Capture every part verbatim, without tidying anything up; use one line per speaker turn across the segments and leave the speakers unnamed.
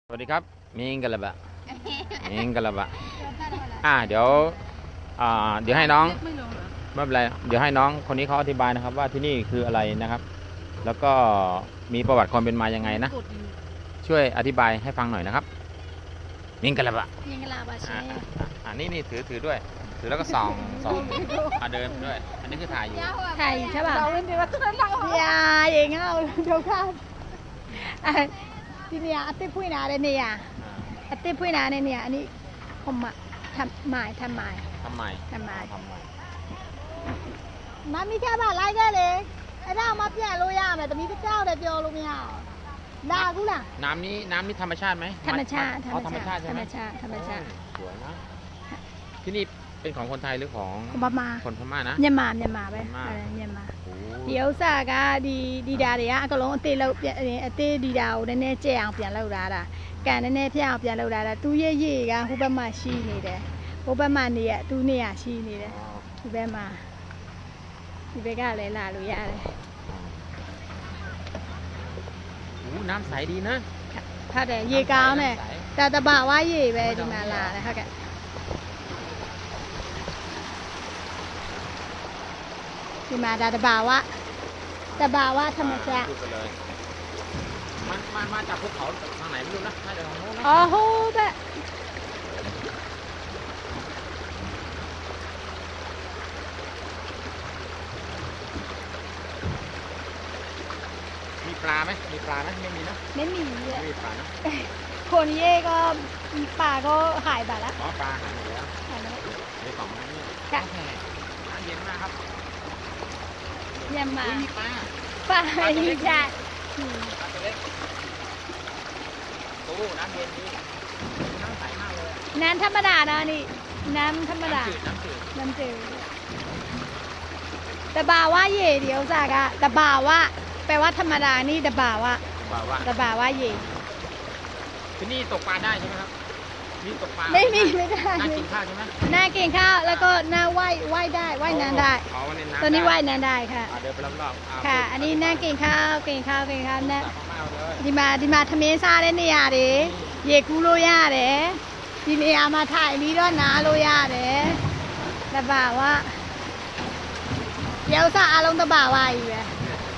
สวัสดีครับมิงกะละบะมิงกะละบะอ่าเดี๋ยวอ่าเดี๋ยวให้น้องไม่เป็นไรเดี๋ยวให้น้องคนนี้เขาอธิบายนะครับว่าที่นี่คืออะไรนะครับ แล้วก็มีประวัติความเป็นมายังไงนะช่วยอธิบายให้ฟังหน่อยนะครับมิงกะละบะ
มิงกะละบะใช่
อ่านี่นี่ถือถือด้วยถือแล้วก็ส่องส่องอ่าเดินด้วยอันนี้คือถ่ายอยู่
ถ่ายใช่ป่ะอย่าอย่างเงี้ยเดี๋ยวข้ามทีนี้อาทิตย์พูดนาเลยเนี่ยอาทิตย์พูดนาเนี่ยอันนี้ผมมาทำหมายทำหมาย
ทำหมาย
ทำหมาย
ทำหมาย
มามีแค่บ้านไร่ก็เลยไอ้ด้ามาเปลี่ยนโรยาแบบแต่มีเจ้าเดียวเดียวลงไม่เอาด่ากูล่ะ
น้ำนี้น้ำนี้ธรรมชาติไหม
ธรรมชาติ
ธรรมชาติใช่ไหมธรรมชาติ
ธรรมชาติ
สวยนะที่นี่เป็นของคนไทยหรือของ
คนพม่า
คนพม่านะ
เมียนมาเมียนมาไปเมียนมาเดี๋ยวสากาดีดีดาเนี่ยก็ลงเตะเราเปลี่ยนเตะดีดาวเนี่ยเนี่ยเจ้าเปลี่ยนเราได้ละการเนี่ยเนี่ยเจ้าเปลี่ยนเราได้ละตู้เย่เย่กันหุบมาชีนี่เด้หุบมาเนี่ยตู้เนี่ยชีนี่เด้หุบมาหุบก็เลยลาลุยอะไร
โอ้น้ำใสดีนะ
ถ้าแต่เย่ก้าวเนี่ยแต่ตะบ่าว่าเย่ไปดีมาลาเลยค่ะแกที่มาดาตะบาวะตะบาวะธรรมชาติ
มันมามาจากภูเขาทางไหนไม่รู้นะน่าจะทางโน้นนะ
อ๋อโหแบบ
มีปลาไหมมีปลาไหมไม่มีนะ
ไม่มี
ไม่มีปลานะ
คนเย่ก็ปลาก็หายไปแล้ว
อ๋อปลาหายหมดแล้วหายไปแล้วในสองนั้นนี่ค่ะน้ำเย็นมากครับ
เย็นมา
มีปลา
ปลาดีจัด
ปลาตัวเล็กโอ้น้ำเย็นดีน้ำใสมากเลย
น้ำธรรมดานะนี่น้ำธรรมดา
น้ำจืด
น้ำจืดแต่บ่าว่าเย่เดี๋ยวจากอะแต่บ่าว่าแปลว่าธรรมดานี่แต่บ่าว่าแต่บ่าว่าเย่
ที่นี่ตกปลาได้ใช่ไหมครับนี่ตกปลา
ไม่มีไม่ได้
น่ากินข้าวใช่ไหม
น่ากินข้าวแล้วก็น่าว่ายว่ายได้ว่ายน้ำได้ตัวนี้ว่ายน้ำได้ค่ะ
เดินไปรอบ
ๆค่ะอันนี้น่ากินข้าวกินข้าวกินข้าวนะดีมาดีมาทำเองซาได้เนี่ยดิเย่กูโรยาเด้ดีเนี่ยมาถ่ายมีด้วยนะโรยาเด้แต่บ่าว่าเดี๋ยวซาอารมณ์ตะบ่าว่าอยู่เลย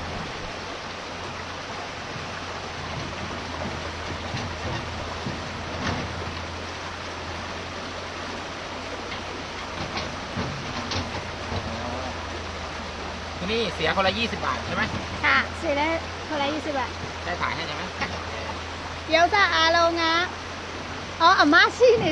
นี่เสียคนละยี่สิบบาทใช่ไหม
ค่ะเสียได้คนละยี่สิบบาท
ได้ถ่ายให้ใช่ไหม
เดี๋ยวจะอาลงนะอ๋ออาม่าชีนี่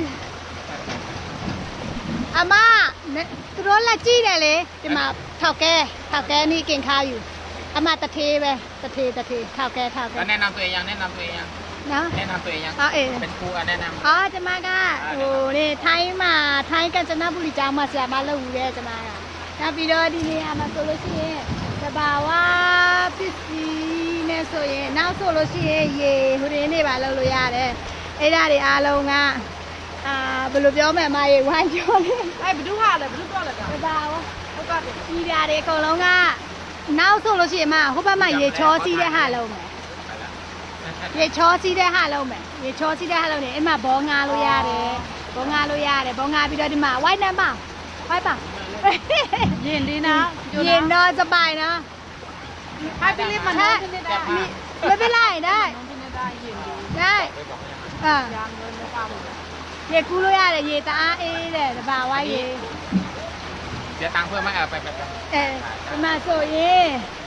อาม่าเนี่ยตัวละจี้ได้เลยจะมาเท่าแก่เท่าแก่นี่เก่งข้าวอยู่อาม่าตะเทไปตะเทตะเทเท่าแก่เท่าแก่
แนะนำตัวเองยังแนะนำตัวเองยัง
นะ
แนะนำตัวเองยัง
อ๋อเอ
เป็นครูแนะนำ
อ๋อจะมาก็โอ้เนี่ยไทยมาไทยกันจะน่าบุรีจ้ามาเสียมาแล้วเลยจะมาနောက်ပြီးတော့ဒီနေရာမှာဆိုလို့ရှိရင်တဘာဝပစ္စည်းနဲ့ဆိုရင်နောက်ဆိုလို့ရှိရင်ရေဟိုရင်းနေပါလောက်လို့ရတယ်အဲ့ဒါတွေအားလုံးကအာဘယ်လိုပြောမလဲမရေဝိုင်းပြောလေအဲ့ဘယ်သူဟာလဲဘယ်သူတော့လဲတဘာဝဟုတ်ကဲ့ဒီဓာတ်တွေအကုန်လုံးကနောက်ဆိုလို့ရှိရင်မဟိုဘက်မှာရေချောစီးတဲ့ဟာလုံးမယ်ရေချောစီးတဲ့ဟာလုံးမယ်ရေချောစီးတဲ့ဟာလုံးနေအဲ့မှာဘောငါလို့ရတယ်ဘောငါလို့ရတယ်ဘောငါပြီးတော့ဒီမှာဝိုင်းနေပါဝိုင်းပါเย็นดีนะเย็นเนาะสบายนะให้พี่ลิฟมันได้ไม่เป็นไรได้ได้อ่าเย่กู้รู้ยาเลยเย่ตาเอเลยแต่บ่าวว่าเย่
เสียตังค์เพิ่มไหมเออไปไปไป
เออมาโซเย่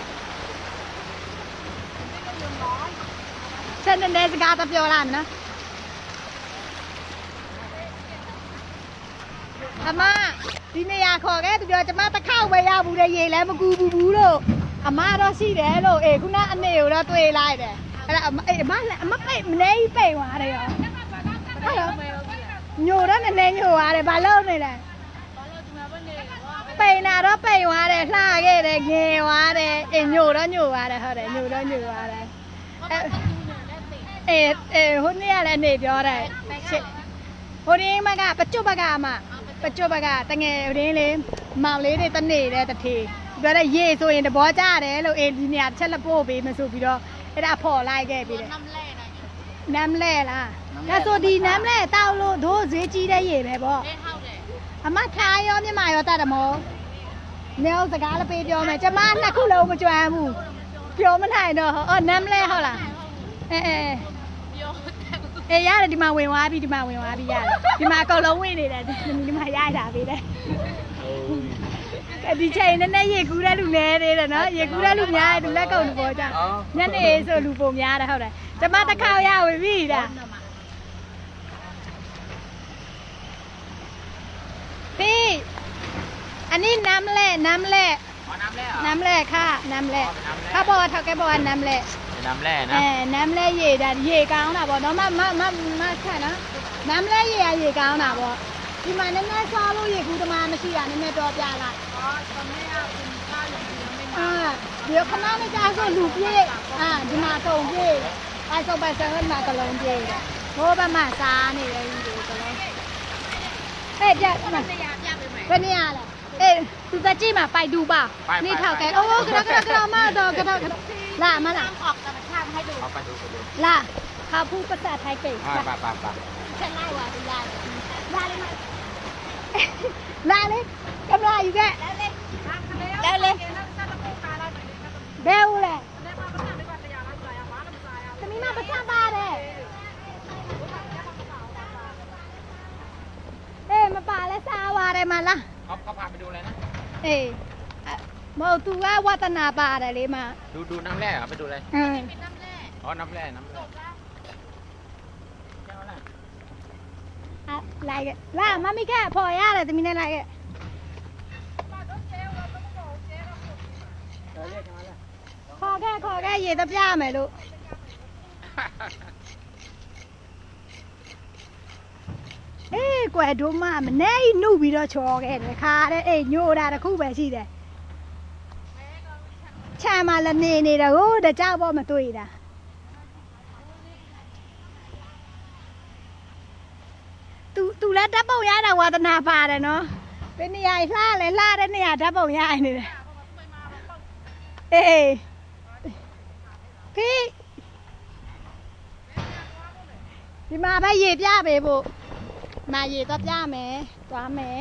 ฉันนั่นเดสกาตะเปียวลันนะอาม่าဒီနေရာခေါ်ခဲ့သူပြောကျမတစ်ခေါက်ပဲရဘူးတဲ့ရေလည်းမကူဘူးဘူးလို့အမတော့ရှိတယ်လို့အေးခုနအနေကိုတော့တွေ့လိုက်တယ်အဲ့ဒါအေးအမလည်းအမပိတ်မနေပိတ်သွားတယ်ရောဟုတ်လားညိုတော့နည်းနည်းညိုသွားတယ်ဘာလို့နေလဲပိတ်နာတော့ပိတ်သွားတယ်လှခဲ့တယ်ငယ်သွားတယ်အေးညိုတော့ညိုသွားတယ်ဟုတ်တယ်ညိုတော့ညိုသွားတယ်အေးအေးဟိုနေ့ကလည်းအနေပြောတယ်ဟိုနေ့မကပကျွတ်ပကအမปัจจุบันก็ตั้งเงี้ยเรื่องเลยมาเลยได้ตั้งเนี่ยได้ตั้งทีก็ได้เย่ส่วนเดี๋ยวบอจ้าเลยเราเอ็นเนี่ยเช่นละโป้ไปมาสู่พี่ดอไอ้ดาพอไล่แกไปเลยน้ำแร่ล่ะဒါဆိုဒီနမ်းလဲတောက်လို့တို့ဈေးကြီးတဲ့ရေပဲပေါ့
အေးဟုတ်တယ်
အမထားရောမြမရောတတ်တယ်မို့နေအောင်စကားလည်းပေးပြောမယ်ကျမနှစ်ခုလုံးမကြွမ်းဘူးပြောမနိုင်တော့အော်နမ်းလဲဟုတ်လားအဲအဲ
ပြော
အေးရတယ်ဒီမှာဝင်သွားပြီဒီမှာဝင်သွားပြီရတယ်ဒီမှာအကုန်လုံးဝင်နေတယ်ဒီမှာရတာပေးတယ်ဒီချိန်နဲ့နဲ့ရေကူးတဲ့လူနေသေးတယ်နော်ရေကူးတဲ့လူများတယ်လူလက်ကုပ်လူပေါ်ကြညနေဆိုလူပုံများတယ်ဟုတ်တယ်ကျမတစ်ခါရဝင်ပြီဒါพี่อันนี้น้ำแร่น้ำแร่
อ๋อน้ำแร่เหรอ
น้ำแร่ค่ะน้ำแร่เขาบอกว่าเขาแกบอกว่าน้ำแร่
เป็นน้ำแร่นะ
เออน้ำแร่เย่ဒါရေကောင်းတာပေါ့နော်မမမမခက်နော်น้ำแร่เย่ရေကောင်းတာပေါ့ဒီမှာနည်းနည်းစားလို့ရေကူးသမားမရှိတာနည်းနည်းတော့ပြလိုက်
อ๋อตอนนี้อ่ะคุณข้าวอย่างเดียวไม่มา
အာเดี๋ยวခဏနဲ့ကြာဆိုလူပြေးအာဒီမှာတုံပြေးအဲဆိုပဲဆက်မှာကလုံးပြေးတယ်ဘိုးဘက်မှာစားနေတယ်ဒီကလုံးအဲ့ကြက်
နေရာပြပေးမယ်
ဘယ်နေရလဲအေးသူတကြည့်မှာပိုက်တူပါนี่ထောက်แกโอ้กระกระกระมาတော့กระกระလာမလား
ออกธรรมชาติให้ดู
เอาไปดูไปดู
လာเขาพูดภาษาไทยเก่ง
อ่าไปไปไป
ฉันไล่ว่าดูยายลาเลยมาลาเลยกำลังอยู่แกแล้วเลยเบลเลยจะมีมาประชาบ้าเลยเอ้มาป่าแล้วซาวาอะไรมาล่ะ
เขาเขาพาไปดูอะไรนะ
เอ้มอตูว่าวัฒนาป่าอะไรเลยมา
ดูดูน้ำแร่เหรอไปดูอะไร
เออ
น้ำแร่
อ๋อน้ำแร่น้ำแร่
อะไรกันล่ะมาไม่แค่พอย่าเลยจะมีอะไรกัน
เออเรียกกันมาเลย
ขอแค่ขอแค่เย็นตับย่าไหมลูกเอ้กว่าดูมามันแน่นู่บีเราชอแกเลยค่ะเอ้ยโยดาตะคู่แบบสิเด้ชามาละเนนี่เด้อโอ้เด้อเจ้าบ่มาตุ้ยดาตูตูแล้วดับเบิลยาดาวาตนาพาเด้อเนาะเป็นนิยายล่าเลยล่าได้เนี่ยดับเบิลยานี่เด้อเอ้พี่ဒီမှာပဲရေပြပေးဖို့မာရေတော့ပြမယ်တွားမယ်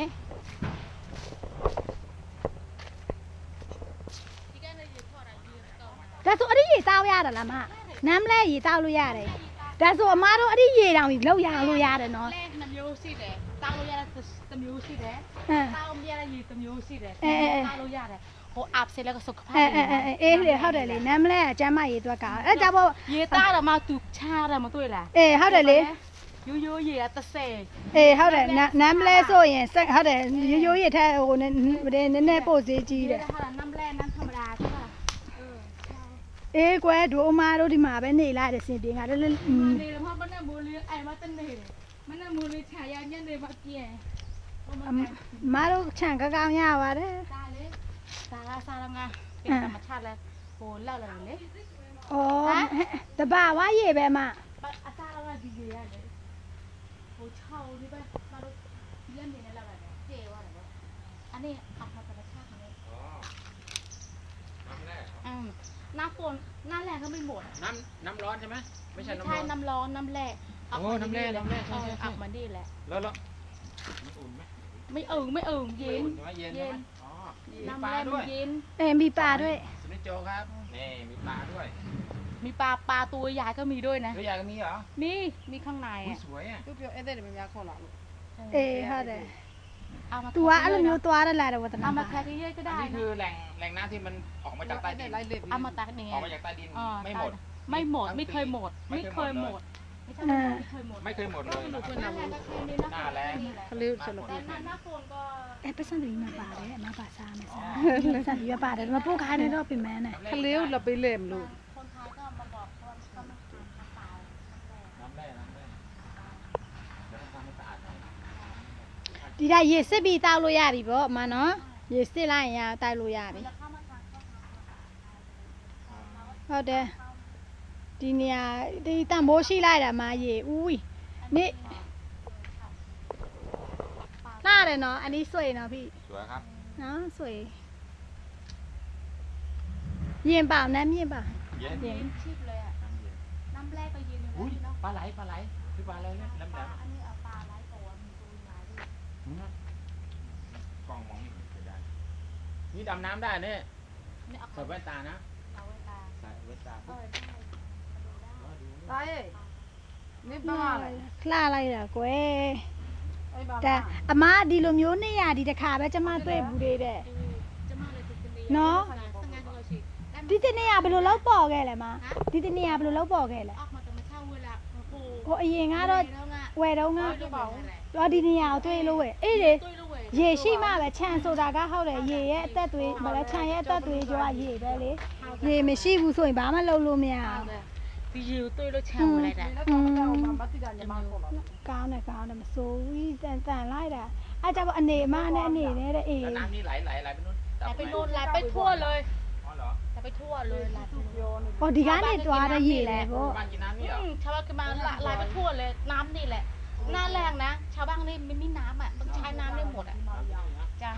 ဒါဆိုအဲ့ဒီရေတောက်ရတယ်လားမနမ်းလဲရေတောက်လို့ရတယ်ဒါဆိုအမားတို့အဲ့ဒီရေတောင်ကြီးလောက်ရအောင်လို့ရတယ်နော်
แร่น้ำမျိုးရှိတယ်တောက်လို့ရတဲ့တမျိုးရှိတယ်
ဟမ်
တောက်မရတဲ့ရေတမျိုးရှိတယ်
အဲအဲ
တောက်လို့ရတယ်ဟိုအပ်စေလည်းကစုခဖား
အဲအဲအဲအေးလေဟုတ်တယ်လေနမ်းလဲအကျမ်းမရေတွက်ကအဲ့ကြပေါ့
ရေသားတော့မှသူချားတယ်မတွေ့လား
အေးဟုတ်တယ်လေ
ရိုးရိုးရေကတစ်ဆယ်
အေးဟုတ်တယ်နမ်းလဲဆိုရင်ဟုတ်တယ်ရိုးရိုးရေထက်ဟိုနည်းနည်းနည်းပို့စေးကြီးတယ်
ဟာน้ำแร่น้ำธรรมดาใช่ป่ะ
အေးကွယ်ဒိုအမားတို့ဒီမှာပဲနေလိုက်တယ်စင်ပြေငါလည်း
နေတယ်မဟုတ်ဘယ်နဲ့မိုးလေးအိမ်မတနေတယ်မနဲ့မိုးလေးခြာရညနေမပြင်း
အမားတို့ခြံကကောင်းရပါတယ်
စားလေစားလားစားလားငါเป็นธรรมชาติแล้วโหเล่าเลยလေ
ဩတဘာဝရေပဲမ
အစားကဒီကြီးရတယ်ဟိုချောင်းဒီပဲမတို့ဒီလက်နေနဲ့လောက်ရတယ်ကျေသွားတယ်ပေါ့อันนี้อัพธรรมชาติเลย
อ๋อน้ำแร่
อืมน้ำฝนน้ำแรงก็ไม่หมด
น้ำน้ำร้อนใช่ไหมไม่ใช่
ไม่
น้ำร้
ใช่
อน
น้ำร้อนน้ำแร่
โอ้น้ำแร่น้ำแร่ใช่ใช่ใช่
อักมันดีแหละ
แล้วแล้วมันอุ่นไหม
ไม่เอิงไม่เอิงเย็น
อุ่นใช่ไหมเย็นใช่ไหมอ๋อมี
น้ำ
ปลา
แร่
ด้
มั
วน ย
เย็น
เออมีปลาด้วย
สุนิจโจครับนี่มีปลาด้วย
มีปลาปลาตัวใหญ่ก็มีด้วยนะ
ตัวใหญ่ก็มีเหรอ
มีมีข้างใน
อุ้ย
อ่ะ
สวยอ่ะ
เปรี้ยวๆเอ๊ะเดี๋ยวมันยาข้าวหลาม
เออဟုတ်တယ်
เอามา
तू อ่ะအဲ့လိုမျိုးသွားရလာတယ်ဝတနာ
เอามาแค่ที่เยอะก็
อัน
ได้
นี้คือแหล่งแหล่งน้ำที่มันออกมาจากใต้ดิน
เอามาตักนี่ไง
ออกมาจากใต้ดิน
อ่า
ไม่หมด
ไม่หมดไม่เคยหมด
ไม่
ไม่
เค
เค
ย
ย
ห
ห
ม
ม
ด
ดไม่ใช่
อ่า
ไม่เคยหมด
ไม่เคยหมดเลยนะ
หน้าแรงก็คืนนี้นะ
หน้าแรง
เขาเรียกสลบหน้าฝนก็
အဲပတ်စံတွေမှာပါတယ်အမပါစားမယ်စားပတ်စံတွေပါတယ်မပို့ခိုင်းနေတော့ပြင်မဲနဲ့
เขาเลี้ยวเราไปเล่มลูก
คนไทยก็มาบอกว่าเขาไม่ทานข้าวเปล่า
น้ำแร่น้ำแร่แล้วทำให้สะอาดหน่อย
ဒီကရေစစ်ပြီးတောက်လို့ရပြီပေါ့အမနော်ရေစစ်လိုက်ရင်တောက်လို့ရပြီဟုတ်တယ်ဒီနေရာဒီတန်ဖိုးရှိလိုက်တာမရေဦးနေလာတယ်နော်อันนี้สวยเนาะพี่
สวยครับ
เนาะสวยเย็นเปล่าน้ำเย็นเปล่า
เย็น
เย็นชิบเลยอ่ะ
น้ำเย็น
น้ำแรกก็เย็นอยู่
อุ้ย
แล้วเนาะ
ปลาไหลปลาไหลคือปลาอะไรเนี่ยแหลม
อันนี้เอาปลาหลายตัวมีตัวใหญ่ด้วย
ๆหืมกล้องมองไม่เห็นเสียดายนี่ดำน้ำได้เนี่ย
นี่เอา
ใส่แว่นตานะ
เอาไว้ตา
ใส่แว่นตา
เอาไว้ได้ดูได้
อ๋อดูนี่
Đây, nếp ba này.
คลาอะไรล่ะကွယ်
Đây bà
แต่
bà.
အမဒီလိုမျိုးနေရဒီတစ်ခါပဲကျမတွေ့ဘူးသေးတဲ့
จะมาเลยติดกันดี
နော်
สังงานเราสิได้
ဒီတနေ့ကဘယ်လိုလောက်ပေါ်ခဲ့လဲမဒီတနေ့ကဘယ်လိုလောက်ပေါ်ခဲ့လဲ
ออกมาแต่มาเช่าเวลาโอ้โห
ဟိုအရင်ကတော့
แล้วไง
ဝယ်တော့က
เอาจะบอก
တော့ဒီနေရာကိုတွေ့လို့ဝယ်အေးလေ
ตุ้ยลูกเว้ย
ရေရှိမှပဲခြံဆိုတာကဟုတ်တယ်ရေရဲ့အသက်သွေးမလဲခြံရဲ့အသက်သွေးကြောကရေပဲလေရေမရှိဘူးဆိုရင်ဘာမှလုပ်လို့မရ
เอา
ဘူး
เลยพี่ยิวตุ้ยลูกเช่าอะไรได้
Nó cho nó bà bắt đi ra nhà mang con nó.
ကောင်းတယ်ကောင်းတယ်မစိုးဘူးတန်တန်လိုက်တာအဲကြတော့အနေမနဲ့အနေနဲ့တဲ့အေး
แล้วน้ำนี่ไหลไหลไหลไปนู่น
ไหลไปโน่นไหลไปทั่วเลย
อ๋อเหรอ
ไหลไปทั่วเลยไหลไป
Vô này.
ဟောဒီကနေတွားတဲ့ရေလဲပေါ့
บ้านกินน้ำนี่เหรอ
อืมชาวบ้านคือมาไหลไปทั่วเลยน้ำนี่แหละหน้าแรงนะ ชาวบ้านนี่ไม่มีน้ำอ่ะต้องใช้น้ำได้หมดอ่ะจ้า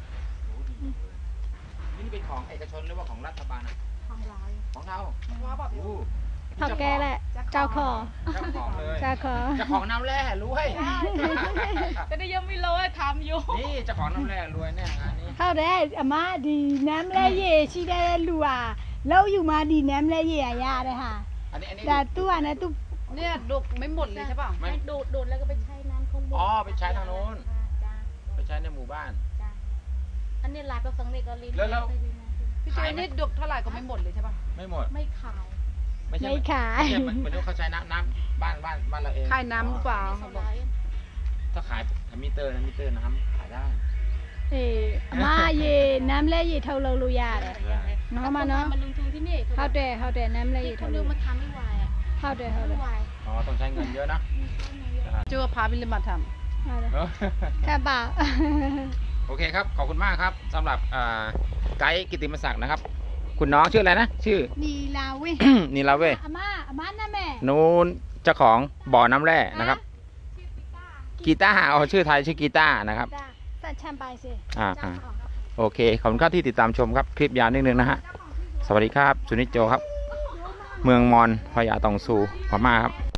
นี่เป็นของเอกชนหรือว่าของรัฐบาลอ่ะ
ทำลาย
ของเรา
Hóa bà
โอ้
ထောက်แกแหละเจ้าของ
เจ้าของเลย
เจ้าของ
เจ้าของน้ำแร่รวย
ก็ได้ยังไม่รู้ทำอยู่
นี่เจ้าของน้ำแร่รวยแน่งานนี้
ဟုတ်တယ်အမဒီနမ်းလဲရေရှိတဲ့လူဟာလောက်อยู่มาဒီနမ်းလဲရေရရတဲ့ဟာ
อันนี้อันนี้
แต่ตู้อ่ะนะตู้
Nè, đục mấy một này chứ bà.
ไม่
โดดโดดแล้วก็ไปใช้น้ำข้างบน
อ๋อไปใช้ทางโน้น
จ้า
ไปใช้ในหมู่บ้าน
จ้าอันนี้ลายประสังเนก็ลิ้น
แล้วแล้ว
พี่chơi nít đục th ไหร่ก็ไม่หมดเลยใช่ป่ะ
ไม่หมด
ไม่ขาย
ไม่ใช่
ไม่ขาย
ไม่ใช่มันมันต้องเขาใช้น้ำน้ำบ้านบ้านบ้านเราเอง
ขายน้ำหรือเปล่า
ไม่สบาย
ถ้าขายมิเตอร์นะมิเตอร์น้ำขายได้
အေးအမရေနမ်းလဲရေထုတ်လုပ်လို့ရတယ်နော်မနော်
มันลงทุนที่นี่
ဟုတ်တယ်ဟုတ်တယ်နမ်းလဲ
ที่
ရေ
เขา
ထုတ်
เรีย
လို့
กมาทำไม่ไหวอ่ะ
ဟုတ်တယ်ဟုတ်တ
ไม่
ယ်
ไหว
อ๋อต้องใช้เงินเยอะนะ
Chưa phá bên lên mặt thẳm.
ဟုတ်တယ်
เออ
ခပ်ပါ
โอเคครับ ขอบคุณมากครับสำหรับอ่าไกด์กิตติมศักดิ์นะครับ คุณน้องชื่ออะไรนะ ชื่อ
နီလာဝင်း
นีลาเว
အမအမနာမည်
นูนเจ้าของบ่อน้ำแร่นะครับ กีตาร์เอาชื่อไทยชื่อกีตาร์นะครับ
ဒါဆက်ချမ်းပိုင်စေ
อ่าอ่าโอเค ขอบคุณครับที่ติดตามชมครับ คลิปยาวนิดนึงนะฮะ สวัสดีครับ สุนิจโจครับ เมืองมอนพญาตองซูพม่าครับ